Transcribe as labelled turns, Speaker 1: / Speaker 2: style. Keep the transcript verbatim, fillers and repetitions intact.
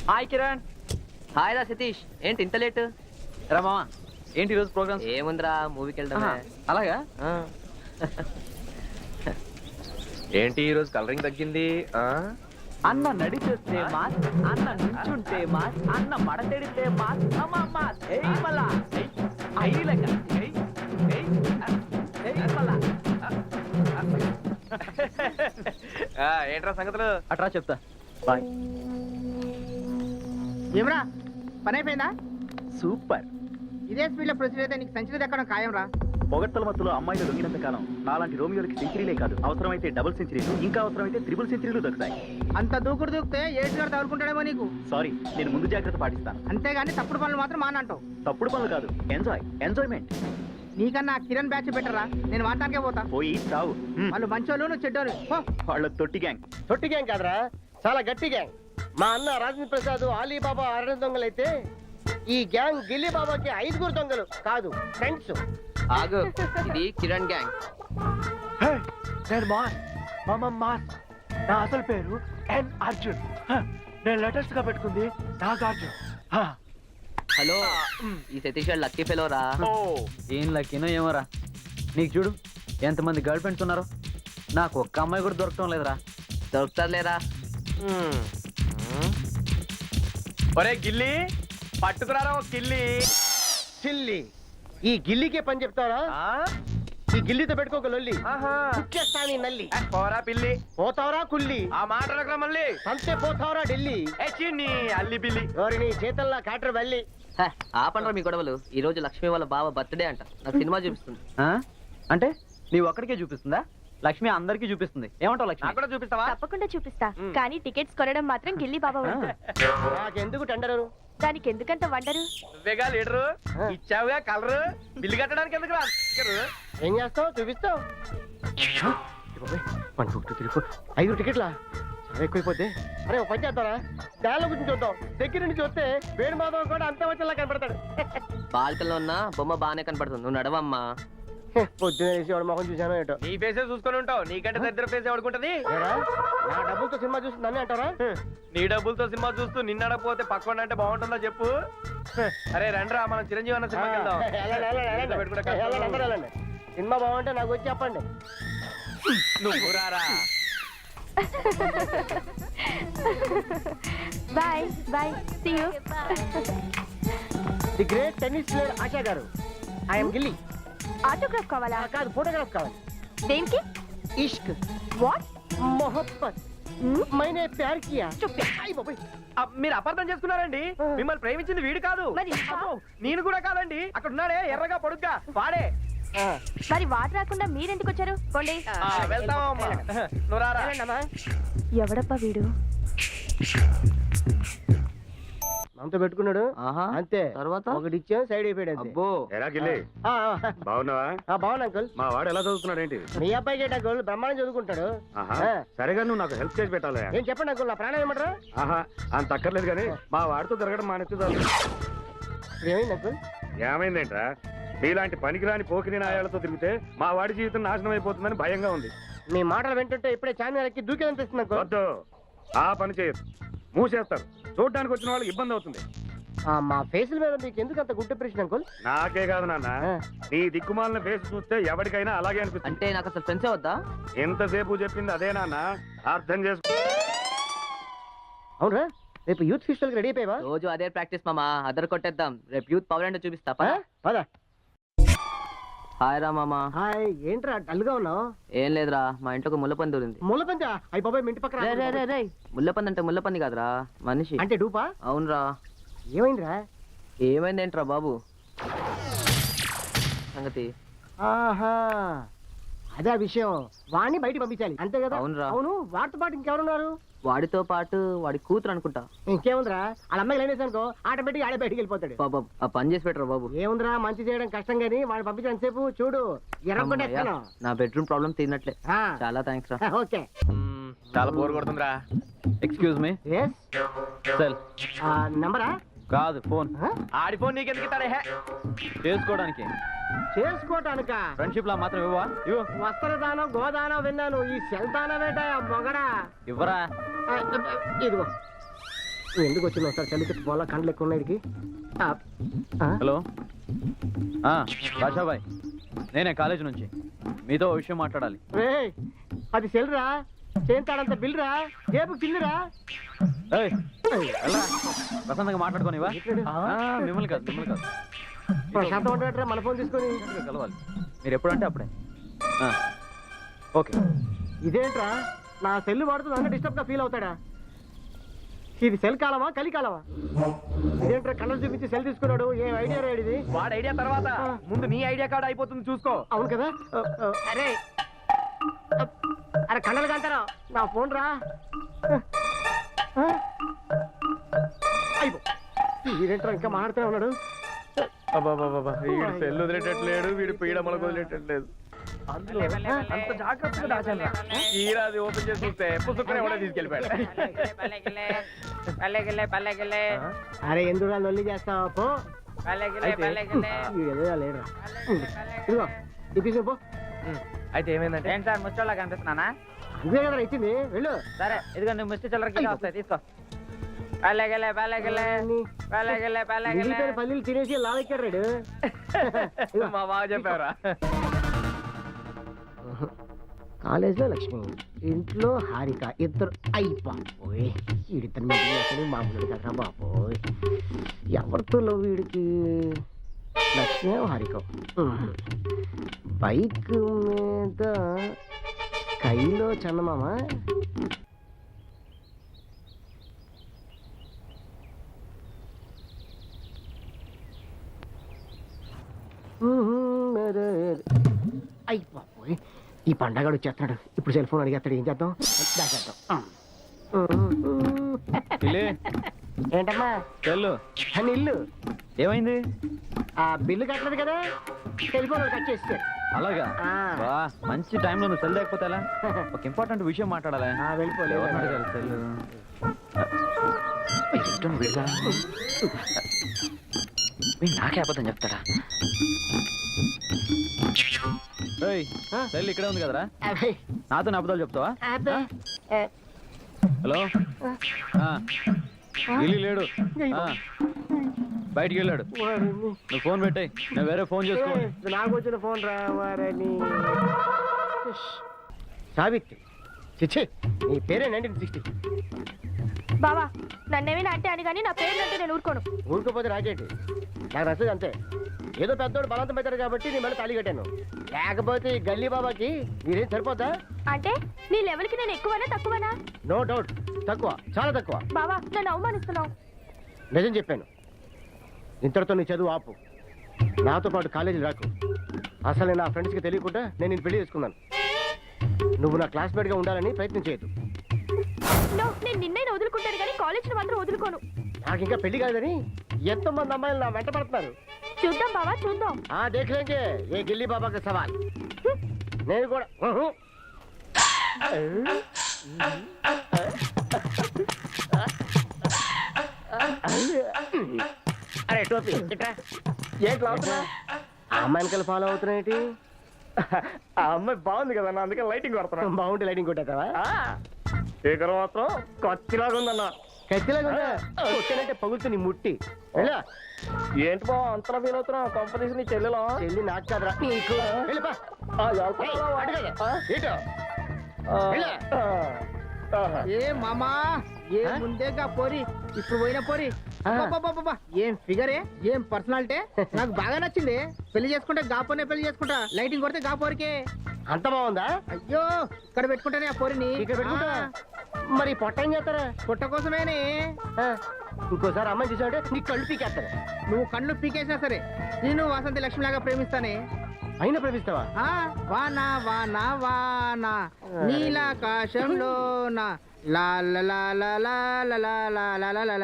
Speaker 1: Hi Kiran.
Speaker 2: Hi రా సతీష్, ఏంటి ఇంత లేట్?
Speaker 1: రా మామ, ఏంటి ఈరోజు ప్రోగ్రామ్?
Speaker 2: ఏముందిరా, మూవీకి వెళ్దామే.
Speaker 1: అలాగా?
Speaker 3: ఏంటి ఈరోజు కలరింగ్ తగ్గింది?
Speaker 1: అన్న నడిచేస్తే మాస్, అన్న నుంచుంటే మాస్, అన్న మడతెడితే మాస్, అమ్మ మాస్. ఏయ్ మళ్ళా ఐలక ఏయ్ ఏయ్ ఏయ్ మళ్ళా.
Speaker 3: ఏంట్రా సంగతులు?
Speaker 1: అట్రా చెప్తా. బాయ్.
Speaker 4: ఏమరా పని అయిపోయిందా?
Speaker 1: సూపర్.
Speaker 4: ఇదే స్పీడ్ లో ప్రొసీడ్ అయితే నీకు సెంచరీ దక్కడం ఖాయం రా.
Speaker 5: పొగట్టల మత్తులో అమ్మాయిలు దొంగినంత కాలం నాలాంటి రోమియోలకి సెంచరీలే కాదు, అవసరమైతే డబుల్ సెంచరీలు, ఇంకా అవసరమైతే త్రిబుల్ సెంచరీలు దొరుకుతాయి.
Speaker 4: అంత దూకుడు దూకితే ఏడు గారు తగులుకుంటాడేమో నీకు.
Speaker 5: సారీ, నేను ముందు జాగ్రత్త పాటిస్తాను.
Speaker 4: అంతేగాని తప్పుడు పనులు మాత్రం మానంటావు.
Speaker 5: తప్పుడు పనులు కాదు, ఎంజాయ్ ఎంజాయ్మెంట్.
Speaker 4: నీకన్నా కిరణ్ బ్యాచ్ బెటరా, నేను వాటానికే పోతా.
Speaker 5: పోయి చావు. హ్మ్.
Speaker 4: వాళ్ళు మంచోళ్ళు, నువ్వు చెడ్డోళ్ళు.
Speaker 5: వాళ్ళ తొట్టి గ్యాంగ్.
Speaker 6: తొట్టి గ్యాంగ్ కాదురా, చాలా గట్టి గ్యాంగ్. మా అన్న రాజేంద్ర ప్రసాద్, అలీబాబా అరణ్య దొంగలైతే ఈ గ్యాంగ్ గిల్లీ బాబాకి ఐదుగురు దొంగలు కాదు, ఫ్రెండ్స్.
Speaker 2: ఆగు, ఇది కిరణ్ గ్యాంగ్.
Speaker 6: నేను మాస్, మామ మాస్. నా అసలు పేరు ఎన్ అర్జున్. నేను లేటెస్ట్ గా పెట్టుకుంది నాగార్జున్.
Speaker 2: హలో, ఈ సతీష్ గారు లక్కీ ఫెలో రా.
Speaker 1: ఏం లక్కీనో ఏమోరా. నీకు చూడు ఎంతమంది గర్ల్ ఫ్రెండ్స్ ఉన్నారో, నాకు ఒక్క అమ్మాయి కూడా దొరకటం లేదురా.
Speaker 2: దొరుకుతారులేరా.
Speaker 3: ఒరే గిల్లి, పట్టుకురారా ఒక గిల్లి.
Speaker 6: సిల్లి, ఈ గిల్లీకే పని చెప్తారా? ఈ గిల్లీతో పెట్టుకోక లొల్లి. కుచ్చేస్తా నీ నల్లి.
Speaker 3: పోరా పిల్లి,
Speaker 6: పోతావరా కుల్లి.
Speaker 3: ఆ మాటలకురా మళ్ళీ.
Speaker 6: అంతే పోతావరా ఢిల్లీ.
Speaker 3: నీ అల్లి బిల్లి.
Speaker 6: ఎవరి నీ చేతల్లా కాటర్ వెళ్ళి.
Speaker 2: ఆపండ్రా మీ గొడవలు. ఈ రోజు లక్ష్మి వాళ్ళ బావ బర్త్డే అంట, నాకు సినిమా చూపిస్తుంది.
Speaker 1: ఆ? అంటే నీ ఒక్కడికే చూపిస్తుందా? లక్ష్మి అందరికీ చూపిస్తుంది. ఏమంటావు లక్ష్మి?
Speaker 3: నాకు కూడా చూపిస్తావా?
Speaker 7: తప్పకుండా చూపిస్తా, కానీ టికెట్స్ కొనడం మాత్రం గిల్లీ బాబా వంతు.
Speaker 6: నాకెందుకు టెండరు?
Speaker 7: దానికి ఎందుకంత వండరు?
Speaker 3: నువ్వేగా లీడరు, ఇచ్చావుగా కలరు, బిల్లు కట్టడానికి ఎందుకు రా?
Speaker 6: ఏం చేస్తావు? చూపిస్తావు. ఐదు టికెట్లా? చాలా ఎక్కువైపోతే. అరే ఒక పని చేస్తారా, దానిలో గురించి చూద్దాం. దగ్గర నుంచి చూస్తే వేణు మాధవ్ కూడా అంత వచ్చేలా కనపడతాడు.
Speaker 2: బాల్కల్లో ఉన్న బొమ్మ బాగానే కనపడుతుంది, నువ్వు నడవమ్మా.
Speaker 6: పొద్దున వేసి వాడు మొహం చూసాను ఏంటో.
Speaker 3: నీ ఫేసే చూసుకొని ఉంటావు, నీకంటే దరిద్ర ఫేస్ ఎవడుకుంటది?
Speaker 6: నా డబ్బులతో సినిమా చూస్తుందని అంటారా?
Speaker 3: నీ డబ్బులతో సినిమా చూస్తూ నిన్నడపోతే పక్కన అంటే బాగుంటుందా చెప్పు? అరే రండ్రా, మనం చిరంజీవి అన్న సినిమాకి వెళ్దాం.
Speaker 6: వెళ్ళండి, వెళ్ళండి, వెళ్ళండి. వెళ్ళండి, అందరూ వెళ్ళండి. సినిమా బాగుంటే నాకు వచ్చి చెప్పండి.
Speaker 3: నువ్వు రారా.
Speaker 7: Bye bye, see you.
Speaker 6: The great tennis player Asha గారు, ఐఎమ్ గిల్లీ.
Speaker 7: ఆటోగ్రాఫ్ కావాలా?
Speaker 6: కాదు, ఫోటోగ్రాఫ్ కావాలి.
Speaker 7: దేనికి?
Speaker 6: ఇష్క్,
Speaker 7: వాట్?
Speaker 6: మొహబ్బత్, మైనే ప్యార్ కియా. అయ్ బాబోయ్,
Speaker 3: ఆ, మీరు అపార్థం చేసుకున్నారండి. మిమ్మల్ని ప్రేమించింది వీడు కాదు,
Speaker 7: మరి?
Speaker 3: అబ్బో, నేను కూడా కాదండి. అక్కడ ఉన్నాడే ఎర్రగా పొడుగ్గా వాడే.
Speaker 7: మరి వాటర్ రాకుండా మీరెందుకు వచ్చారు? పోండి.
Speaker 3: ఆ, వెళ్తామమ్మా. నువ్వు రారా.
Speaker 7: ఎవడప్పా వీడు?
Speaker 6: మనతో పెట్టుకున్నాడు
Speaker 2: ఆహా,
Speaker 6: అంతే.
Speaker 2: తర్వాత
Speaker 6: ఒకటి ఇచ్చా, సైడ్ అయిపోయాడు అంతే.
Speaker 2: అబ్బో.
Speaker 6: ఆ, ఆ.
Speaker 5: బాగున్నావా?
Speaker 6: ఆ, బాగున్నా అంకుల్.
Speaker 5: మా వాడు ఎలా చదువుతున్నాడు ఏంటి?
Speaker 6: మీ అబ్బాయికి ఏంటి అంకుల్, బ్రహ్మాండం చదువుకుంటాడు.
Speaker 5: ఆహా,
Speaker 6: ఆ.
Speaker 5: సరేగా నువ్వు నాకు హెల్ప్ చేసి పెట్టాలి.
Speaker 6: ఏం చెప్పండి అంకుల్, నా ప్రాణం ఏమంటారా?
Speaker 5: ఆహా, అంత అక్కర్లేదు కానీ మా వాడితో తిరగడం మానేస్తే చాలు.
Speaker 6: ఏమైంది అంకుల్?
Speaker 5: ఏమైందేంట్రా? మీలాంటి పనికిరాని పోకిరి నాయాలతో తిరిగితే మా వాడి జీవితం నాశనం అయిపోతుందని భయంగా ఉంది.
Speaker 6: మీ మాటలు వింటుంటే ఇప్పుడే చార్మినార్ ఎక్కి దూకేదనిపిస్తుంది అంకుల్.
Speaker 5: వద్దు, ఆ పని చేయొద్దు. మూసేస్తారు. చూడడానికి వచ్చిన వాళ్ళకి ఇబ్బంది అవుతుంది.
Speaker 6: ఆ, మా ఫేసుల మీద మీకు ఎందుకు అంత గుడ్ ఇంప్రెషన్ అంకుల్?
Speaker 5: నాకే కాదు నాన్న,
Speaker 6: ఆ.
Speaker 5: నీ దిక్కుమాలిన ఫేస్ చూస్తే ఎవరికైనా అలాగే అనిపిస్తుంది.
Speaker 2: అంటే నాకు అసలు ఫ్రెండ్సే వద్దా?
Speaker 5: ఎంతసేపు చెప్పింది అదే నాన్న, అర్థం చేసుకో.
Speaker 6: అవునరా, రేపు యూత్ ఫెస్టివల్ రెడీ అయిపోయావా?
Speaker 2: రోజు అదే ప్రాక్టీస్ మామా, అదర్ కొట్టేద్దాం. రేపు యూత్ పవర్ అంటే చూపిస్తా.
Speaker 6: ఆ? పద.
Speaker 2: హాయ్ రా మామా.
Speaker 6: హాయ్, ఏంట్రా డల్ గా ఉన్నావు?
Speaker 2: ఏం లేదురా, మా ఇంట్లో ఒక ముల్లపంది దూరింది.
Speaker 6: ముళ్ళపందా? అయ్యి బాబాయ్, మీ ఇంటి పక్కన
Speaker 2: రే, రే, రే, రే. ముల్లపంది అంటే ముల్లపంది కాదురా, మనిషి.
Speaker 6: అంటే డూపా?
Speaker 2: అవునరా.
Speaker 6: ఏమైందిరా?
Speaker 2: ఏమైందేంట్రా బాబు సంగతి?
Speaker 6: ఆహా, అదే ఆ విషయం. వాడిని బయటికి పంపించాలి అంతే కదా?
Speaker 2: అవునురా.
Speaker 6: అవును, వాడితో పాటు ఇంకెవరున్నారు?
Speaker 2: వాడితో పాటు వాడి కూతురు అనుకుంటా.
Speaker 6: ఇంకేముందిరా, వాళ్ళ అమ్మాయి లైన్ వేసానుకో ఆటోమేటిక్ ఆడే బయటికి వెళ్ళిపోతాడు.
Speaker 2: బాబా, ఆ పని చేసి పెట్టరా బాబు.
Speaker 6: ఏముందిరా, మంచి చేయడం కష్టం గానీ వాడిని పంపించడం సేపు చూడు ఎర్రగొట్టే.
Speaker 2: అమ్మయ్య, నా బెడ్రూమ్ ప్రాబ్లం తీరినట్లే. చాలా థ్యాంక్స్ రా.
Speaker 6: ఓకే.
Speaker 3: మ్మ్, చాలా బోర్ కొడుతుందిరా.
Speaker 1: Excuse me. సెల్
Speaker 6: నంబరా?
Speaker 1: కాదు, ఫోన్.
Speaker 3: ఆడి ఫోన్ నీకెందుకు ఇస్తాడే? హే,
Speaker 1: చేసుకోవడానికి.
Speaker 6: చేసుకోవటానిక?
Speaker 1: ఫ్రెండ్షిప్ లా మాత్రం ఇవ్వవా? ఇవ్వు.
Speaker 6: వస్త్రదానం గోదానం విన్నాను, ఈ సెల్ దానం ఏంటా మొగడా?
Speaker 1: ఇవ్వరా.
Speaker 6: ఆ, ఇదిగో. ఎందుకు వచ్చింది ఒకసారి చలికి పోలా కండ్లు ఎక్కువ ఉన్నాయి వీడికి. ఆ, ఆ?
Speaker 5: హలో ఆ, రాజాబాయ్ నేనే కాలేజ్ నుంచి మీతో ఓ విషయం మాట్లాడాలి.
Speaker 6: రేయ్, అది సెల్రా చేస్తాడంత బిల్రా జేబు చిల్లురా.
Speaker 5: ఏయ్, వెళ్ళరా. ప్రశాంతంగా మాట్లాడుకోనివా? ఆ, మిమ్మల్ని కాదు మిమ్మల్ని కాదు
Speaker 6: ప్రశాంతం ఉంటాడరా మన ఫోన్ తీసుకొని.
Speaker 5: ఇంకా కలవాలి మీరు ఎప్పుడంటే అప్పుడే. ఆ, ఓకే.
Speaker 6: ఇదేంట్రా నా సెల్ వాడుతూ నన్ను డిస్టర్బ్ గా ఫీల్ అవుతాడా? ఇది సెల్ కాలమా కలి కాలమా? ఇదేంట్రా కలర్ చూపించి సెల్ తీసుకున్నాడు? ఏం ఐడియా రా ఇది?
Speaker 3: వాడి ఐడియా తర్వాత ముందు నీ ఐడియా కార్డ్ అయిపోతుంది చూసుకో.
Speaker 6: అవును కదా. అరే అరే కళ్ళలు కంటారా నా ఫోన్ రా. అయిపో వీడేంట్రా ఇంకా మాట్లాడుతూనే ఉన్నాడు.
Speaker 3: అబ్బాబాబా వీడు సెల్ వదిలేటట్లేడు, వీడు పీడమలకు వదిలేటట్లేదు. అందులో అంత జాగ్రత్తగా దాచాను. ఈరాది ఓపెన్ చేసి చూస్తే పుస్తకం ఎవడో తీసుకెళ్ళిపోయాడు.
Speaker 6: అరే ఎందుకు లొల్లి చేస్తావా పో. వీడేదో లేడురా. ఇదిగో ఇప్పించు పో.
Speaker 3: అయితే ఏమైందంటే
Speaker 4: ఏంటి సార్ ముచ్చోళ్ళ కనిపిస్తున్నానా?
Speaker 6: ఇదే కదా ఇచ్చింది వెళ్ళు.
Speaker 4: సరే ఇదిగో నువ్వు ముష్టి చిల్లరకి వస్తాయి తీసుకో. పల్లెగలే పల్లెగలే పల్లెగలే పల్లెగలే
Speaker 6: మిగిలిపోయిన పల్లీలు తినేసి లావెక్కాడు రాడు.
Speaker 3: మా బాగా చెప్పారా?
Speaker 6: కాలేజ్లో లక్ష్మి, ఇంట్లో హారిక, ఇద్దరు అయిపోయి వీడిద్దరు మీద మామూలు కదా బాబోయ్. ఎవరితో వీడికి? లక్ష్మి హారిక బైక్ మీద కైలో చందమామ. అయిపోయి ఈ పండగడు వచ్చేస్తున్నాడు. ఇప్పుడు సెల్ ఫోన్ అడిగేస్తాడు. ఏం చేద్దాం? దాచేద్దాం.
Speaker 5: ఇల్లే
Speaker 6: ఏంటమ్మా
Speaker 5: చెల్లు
Speaker 6: అని ఇల్లు
Speaker 5: ఏమైంది?
Speaker 6: ఆ బిల్లు కట్టలేదు కదా, టెలిఫోన్ కట్ చేస్తాడు.
Speaker 5: అలాగా?
Speaker 6: ఆ.
Speaker 5: వా, మంచి టైంలో నువ్వు సెల్ లేకపోతే ఎలా? ఒక ఇంపార్టెంట్ విషయం మాట్లాడాలి.
Speaker 6: ఆ, వెళ్ళిపోలే.
Speaker 5: ఎవరిని అడగాలి సెల్? నాకే అబద్ధం చెప్తాడా? ఏయ్, సెల్ ఇక్కడే ఉంది కదరా,
Speaker 6: అబ్బే,
Speaker 5: నాతో అబద్ధాలు చెప్తావా?
Speaker 6: అబ్బే. ఏ,
Speaker 5: హలో ఆ, ఢిల్లీ లేడు, ఆ, బయటికి వెళ్ళాడు.
Speaker 6: వారిని.
Speaker 5: నువ్వు ఫోన్ పెట్టాయి, నేను వేరే ఫోన్ చేసుకో.
Speaker 6: ఏ, నాకు వచ్చిన ఫోన్ రా వారని. సావిత్రి, చిచ్చి నీ పేరే నైన్టీన్ సిక్స్టీ.
Speaker 7: బావా నన్నేమైనా అంటే అని కానీ నా పేరు అంటే నేను ఊరుకోను.
Speaker 6: ఊరుకోపోతే రాజేటి నాకు నచ్చదు అంతే. ఏదో పెద్దోడు బలవంతం పెట్టారు కాబట్టి నేను మళ్ళీ తాళి కట్టాను. లేకపోతే ఈ గల్లీ బాబాకి మీరేం సరిపోతా?
Speaker 7: అంటే నీ లెవెల్కి నేను ఎక్కువనా తక్కువనా?
Speaker 6: నో డౌట్ తక్కువ, చాలా తక్కువ.
Speaker 7: బావా నన్ను అవమానిస్తున్నావు.
Speaker 6: నిజం చెప్పాను. ఇంతటితో నీ చదువు ఆపు. నాతో పాటు కాలేజీ రాకు. అసలు నేను నా ఫ్రెండ్స్కి తెలియకుండా నేను నేను పెళ్లి చేసుకున్నాను. నువ్వు నా క్లాస్మేట్గా ఉండాలని ప్రయత్నం చేయొద్దు.
Speaker 7: నో, నేను నిన్నైనా వదులుకుంటాను కానీ కాలేజీని మాత్రం వదులుకోను.
Speaker 6: నాకు ఇంకా పెళ్లి కాదని ఎంతో మంది అమ్మాయిలు నా వెంట పడుతున్నారు.
Speaker 7: చూద్దాం బావా చూద్దాం.
Speaker 6: ఆ దేఖలేంగే ఏ గిల్లీ బాబాకి సవాల్. నేను కూడా ఉహు. అరే టోపీ ఇట్రా.
Speaker 3: ఏంటి లాగుతున్నా?
Speaker 6: ఆ అమ్మాయిని ఫాలో అవుతున్నాయి.
Speaker 3: ఆ అమ్మాయి బాగుంది కదా, అందుకే లైటింగ్ కొడుతున్నా.
Speaker 6: బాగుంటే లైటింగ్ కొట్టేస్తావా?
Speaker 3: స్పీకర్ మాత్రం కత్తిలాగా ఉందన్న.
Speaker 6: ఖచ్చితంగా కొట్టానంటే పగులుతు నీ ముట్టి. వెళ్ళా.
Speaker 3: ఏంటి బా అంతలా ఫీల్ అవుతున్నా? కంపెనీస్ నీ చెల్లెలా?
Speaker 6: చెల్లి నాకు కాదురా నీకు. వెళ్ళిపా. ఏయ్, అటు కదా. ఇటు. వెళ్ళా.
Speaker 4: ఏ మామా ఏ ముందేగా పోరి ఇప్పుడు పోయిన పోరి. అబ్బబ్బబ్బబ్బ, ఏం ఫిగరే, ఏం పర్సనాలిటీ. నాకు బాగా నచ్చింది. పెళ్లి చేసుకుంటే గాపోనే పెళ్లి చేసుకుంటా. లైటింగ్ కొడితే గా పోరికే.
Speaker 6: అంత బాగుందా?
Speaker 4: అయ్యో ఇక్కడ పెట్టుకుంటానే ఆ పోరిని.
Speaker 6: ఇక్కడ పెట్టుకుంటా. మరి పొట్ట ఏం చేస్తారా?
Speaker 4: పుట్ట కోసమేనే.
Speaker 6: ఆ, ఇంకోసారి అమ్మాయి చూసావంటే నీ కళ్ళు పీకేస్తాను.
Speaker 4: నువ్వు కళ్ళు పీకేసినా సరే నేను వాసంతి లక్ష్మి లాగా ప్రేమిస్తానే.
Speaker 6: అయినా ప్రేమిస్తావా?
Speaker 4: ఆ వానా వానా వానా నీలాకాశంలో నా లా లా లా లా లా లా లా లా లా లా.